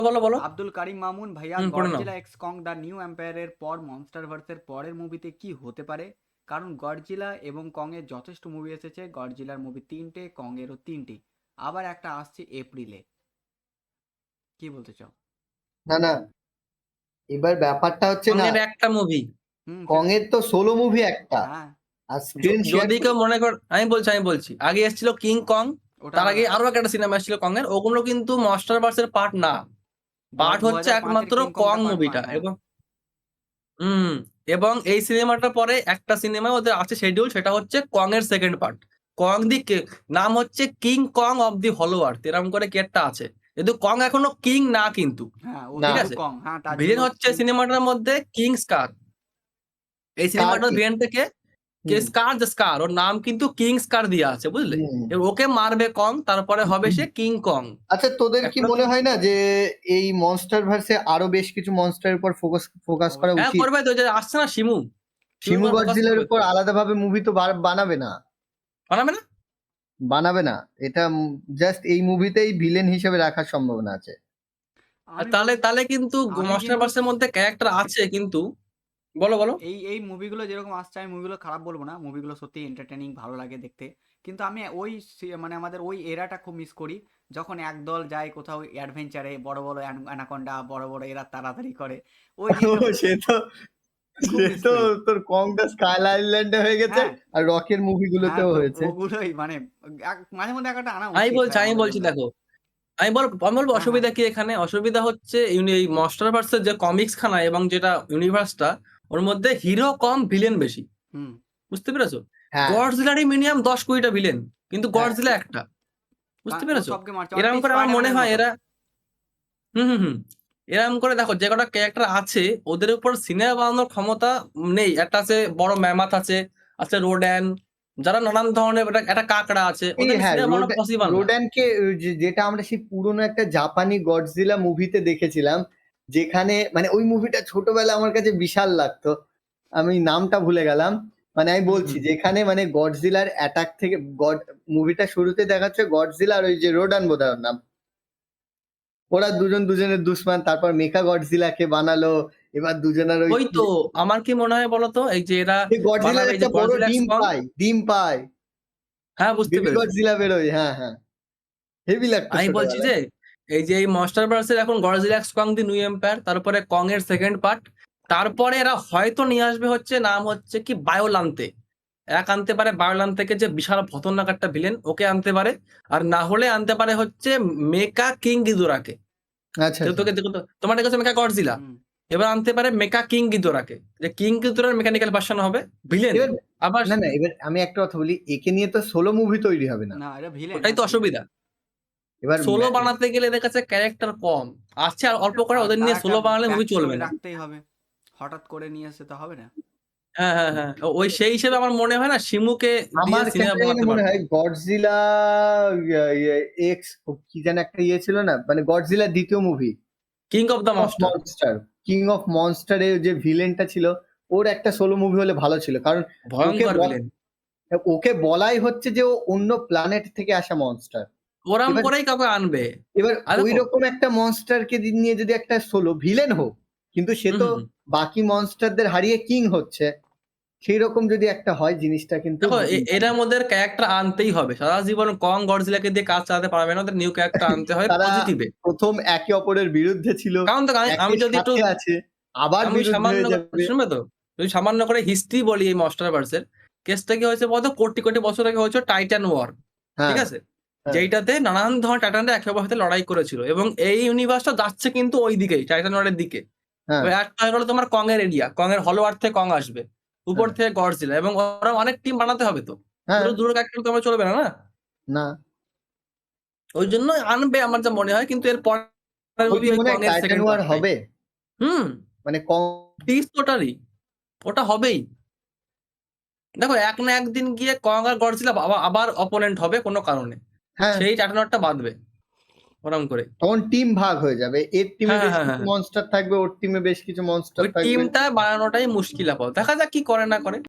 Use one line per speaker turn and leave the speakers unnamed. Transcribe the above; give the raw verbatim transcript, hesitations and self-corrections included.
বলো বলো
আব্দুল কারিম মামুন ভাইয়া,
হুম পড়ে নাও।
Godzilla x Kong the new এম্পায়ারের পর মনস্টারভার্সের পরের মুভিতে কি হতে পারে? কারণ গডজিলা এবং কং এর যথেষ্ট মুভি এসেছে, গডজিলার মুভি তিনটে, কং এরও তিনটে, আবার একটা আসছে এপ্রিলে। কি বলতে চাও?
না না, এবার ব্যাপারটা হচ্ছে না,
কংয়ের একটা মুভি।
হুম,
কং
সেটা
এর তো সোলো মুভি একটা,
হ্যাঁ,
আর স্ক্রিন শেয়ার।
যদি কেউ মনে কর, আমি বলছি আমি বলছি আগে এসেছিল কিং কং,
ওটা
তার আগে
আলাদা।
আরো একটা সিনেমা এসেছিল কং এর, ওগুলো কিন্তু মনস্টারভার্সের পার্ট না।
গড
পার্ট
দু
হচ্ছে
হাজার পাঁচের
একমাত্র
কিং
কং
কংটা পার্ট
মুভিটা।
ওয়ান, হ্যাঁ।
এবং হুম এবং এই সিনেমাটার পরে একটা সিনেমা ওদের আছে শিডিউল, সেটা হচ্ছে কং এর সেকেন্ড পার্ট। কং দি কে- নাম হচ্ছে কিং কং অফ দি হলো আর্থ, এরকম করে কি একটা আছে। কিন্তু কং এখনো কিং না কিন্তু।
হ্যাঁ, ও
না,
ঠিক
শুধু
আছে,
কং, হ্যাঁ, তার জন্য
ভিলেন হচ্ছে
কিং।
সিনেমাটার মধ্যে কিং স্কার। এই
স্কার
সিনেমাটার
কি?
ভিলেন থেকে কে
হুম
স্কার, দ্য স্কার, ওর নাম কিন্তু কিং স্কার দিয়া আছে, বুঝলে।
হুম।
এবার ওকে মারবে কং, তারপরে হবে সে কিং কং।
আচ্ছা, তোদের কি
এখনো
মনে
কিন্তু
হয় না যে এই মনস্টার ভার্সে আরো বেশ কিছু মনস্টারের উপর ফোকাস ফোকাস করা
অবশ্যই।
হ্যাঁ
উচিত?
করবে তো, যে আসছে না শিমু, শিমুর
শিমু
উপর ফোকাস
গডজিলার
করবে
উপর
তো।
আলাদাভাবে মুভি তো বার- বানাবে না,
বানাবে না?
বানাবে না। এটা জাস্ট এই মুভিতেই ভিলেন হিসেবে রাখার সম্ভাবনা আছে।
আর
আমি
তাহলে
বলতে
তাহলে কিন্তু
আমি কিন্তু
মাস্টারভার্সের মধ্যে ক্যারেক্টার আছে কিন্তু। বলো বলো।
এই এই মুভিগুলো যেরকম আসছে, আমি মুভিগুলো খারাপ বলবো না, মুভিগুলো সত্যি এন্টারটেনিং, ভালো লাগে দেখতে। কিন্তু আমি ওই সি- মানে আমাদের ওই এরাটা খুব মিস করি, যখন একদল যায় কোথাও অ্যাডভেঞ্চারে, বড় বড় অ্যানাকন্ডা, বড় বড় এরা তাড়াতাড়ি করে, ওই
ও,
জিনিসটা
সে তো
খুব
সে
মিস
তো
করি।
তোর কংটা স্কাই আইল্যান্ডে হয়ে গেছে,
হ্যাঁ,
আর রকের
হ্যাঁ,
মুভিগুলোতেও
তো
হয়েছে।
ওগুলোই মানে এক- মাঝে মধ্যে একটা আনা
আমি
উচিত
বলছি
ভাই
আমি
আমাদের
বলছি
জন্য।
দেখো, আমি বল আমি বলবো
হ্যাঁ, হ্যাঁ।
অসুবিধা কি এখানে। অসুবিধা হচ্ছে ইউনি- এই মাস্টারভার্সের যে কমিক্স খানা এবং যেটা ইউনিভার্সটা, ওর মধ্যে হিরো কম ভিলেন বেশি।
হুম।
বুঝতে পেরেছো?
হ্যাঁ
গডজিলারই মিনিমাম দশ কুড়িটা ভিলেন, কিন্তু
হ্যাঁ।
গডজিলা একটা। বুঝতে
কারণ ও
পেরেছো?
সবকে মারছে,
এরকম
অনেকটাই
করে আমার মনে
স্পাইডারম্যানের
হয়
মতো।
এরা, হুম হুম হুম এরকম করে দেখো যে কটা ক্যারেক্টার আছে, ওদের উপর সিনেমা বানানোর ক্ষমতা নেই। একটা আছে বড় ম্যামাথ আছে, আছে রোড্যান, যারা নানান ধরনের, একটা একটা কাকড়া আছে,
এই
ওদের
হ্যাঁ,
সিনেমা বানানো
রোড
পসিবল না।
রোডানকে, যে- যেটা আমরা সেই পুরোনো একটা জাপানি গডজিলা মুভিতে দেখেছিলাম, যেখানে মানে ওই মুভিটা ছোটবেলা আমার কাছে বিশাল লাগতো। আমি নামটা ভুলে গেলাম। মানে আমি
হুম
বলছি,
হুম
যেখানে মানে গডজিলার অ্যাটাক থেকে গড মুভিটা শুরুতে দেখাচ্ছে গডজিলা আর ওই যে রোডান বোধহয় ওর নাম, ওরা দুজন দুজনের দুশ্মন, তারপর মেকা গডজিলাকে বানালো। এবার দুজনের ওই
ওই তো, আমার কি মনে হয় বলতো, এই যে এরা
গডজিলার
বানাবে, এই যে
একটা বড়
গডজিলা এক্স
ডিম
কং।
পায়, ডিম পায়,
হ্যাঁ বুঝতে
বেবি
পেরেছি।
গডজিলা বেরোয়। হ্যাঁ হ্যাঁ, হেভি লাগতো
আমি বলছি
ছোটবেলায়।
যে এই যে এই মাস্টারভার্সের এখন Godzilla x Kong the new empire, তারপরে কং এর সেকেন্ড পার্ট, তারপরে এরা হয়তো নিয়ে আসবে হচ্ছে নাম হচ্ছে কি বায়োলান্তে। এক আনতে পারে বায়োলান থেকে, যে বিশাল খতরনাক একটা ভিলেন, ওকে আনতে পারে। আর না হলে আনতে পারে হচ্ছে মেকা কিং গিদোরাকে।
আচ্ছা
যে
আচ্ছা।
তোকে দেখো তো, তোমার কাছে মেকা গডজিলা,
হুম।
এবার আনতে পারে মেকা কিং গিদোরাকে, যে কিং গিদোরার মেকানিক্যাল ভার্সন হবে ভিলেন।
এবার
আবার
না না, এবার আমি একটা কথা বলি, একে নিয়ে তো সোলো মুভি তৈরি হবে না।
না, এটা ভিলেন,
ওটাই তো
অ্যাকচুয়ালি।
অসুবিধা।
এবার
সোলো
ম্যা-
বানাতে গেলে এদের কাছে ক্যারেক্টার কম আছে, আর অল্প করে
আর
ওদের
তার
নিয়ে
একটা
সোলো বানালে
ব্যাক
মুভি চলবে
স্টোরি
না।
রাখতেই হবে, হঠাৎ করে নিয়ে এসে তো হবে না।
হ্যাঁ হ্যাঁ হ্যাঁ ওই সেই হিসেবে আমার মনে হয় না শিমুকে দিয়ে
আমার কেন
সিনেমা
জানি না
বানাতে
মনে
পারতো।
হয় গডজিলা এক্স কি যেন একটা ইয়ে ছিল না, মানে গডজিলা দ্বিতীয় movie,
King of the
of
monster.
Monster, King of মনস্টারের যে ভিলেনটা ছিল, ওর একটা সোলো মুভি হলে ভালো ছিল। কারণ ওকে
ভয়ঙ্কর
বল-
ভিলেন।
ওকে বলাই হচ্ছে যে ও অন্য প্ল্যানেট থেকে আসা মনস্টার।
ওরাম
এবার
করেই কাউকে আনবে।
এবার
আর
ওই
দেখো,
রকম একটা মনস্টারকে নিয়ে যদি একটা সোলো ভিলেন হোক, কিন্তু সে
হুম
তো
হুম হুম।
বাকি মনস্টারদের হারিয়ে কিং হচ্ছে, সেই রকম যদি একটা হয় জিনিসটা কিন্তু
দেখো এ-
উম,
এরা ওদের ক্যারেক্টার আনতেই হবে, সারা জীবন কং গডজিলাকে দিয়ে কাজ চালাতে পারবে না, ওদের নিউ ক্যারেক্টার আনতে হয়
তারা
পজিটিভে।
প্রথম একে অপরের বিরুদ্ধে ছিল,
কারণ তো আমি আমি
একের
যদি একটু,
সাথে আছে, আবার
আমি
বিরুদ্ধে
সামান্য
হয়ে
করে-
যাবে।
শুনবে তো, যদি সামান্য করে হিস্ট্রি বলি এই মাস্টারভার্সের, কেসটা কি হয়েছে বলতো, কোটি কোটি বছর আগে হয়েছে টাইটান ওয়ার। ঠিক
হ্যাঁ
আছে,
হ্যাঁ
যেইটাতে নানান ধরনের টাইটানরা একে অপরের সাথে লড়াই করেছিল, এবং এই ইউনিভার্সটা যাচ্ছে কিন্তু ওই দিকেই, টাইটান ওয়ারের দিকে।
হ্যাঁ
এবার একটা হয়ে গেলো তোমার কং এর এরিয়া, কং এর হলো আর্থ থেকে কং আসবে, উপর
হ্যাঁ
থেকে গডজিলা, এবং ওরা অনেক টিম বানাতে হবে তো,
হ্যাঁ।
দুটো দুটো ক্যারেক্টার তো আমার চলবে না না।
না,
ওই জন্য আনবে আমার যা মনে হয়, কিন্তু এর পরের
ওর
মুভি
কি
ওই
মনে
কং
হয়
এর
টাইটান
সেকেন্ড
ওয়ার
পার্টটাই।
হবে?
হুম,
মানে কম।
টিস টোটালি ওটা হবেই। দেখো এক না একদিন গিয়ে কং আর গডজিলা আবার আবার অপোনেন্ট হবে কোনো কারণে,
হ্যাঁ,
সেই টাইটানটা বাঁধবে ওরম করে।
তখন টিম ভাগ হয়ে যাবে, এর টিমে
হ্যাঁ হ্যাঁ
বেশ
হ্যাঁ
কিছু
হ্যাঁ,
মনস্টার থাকবে, ওর টিমে বেশ কিছু মনস্টার
ওই
থাকবে।
টিমটা বানানোটাই মুশকিল আপাতত, দেখা যাক কি করে না করে।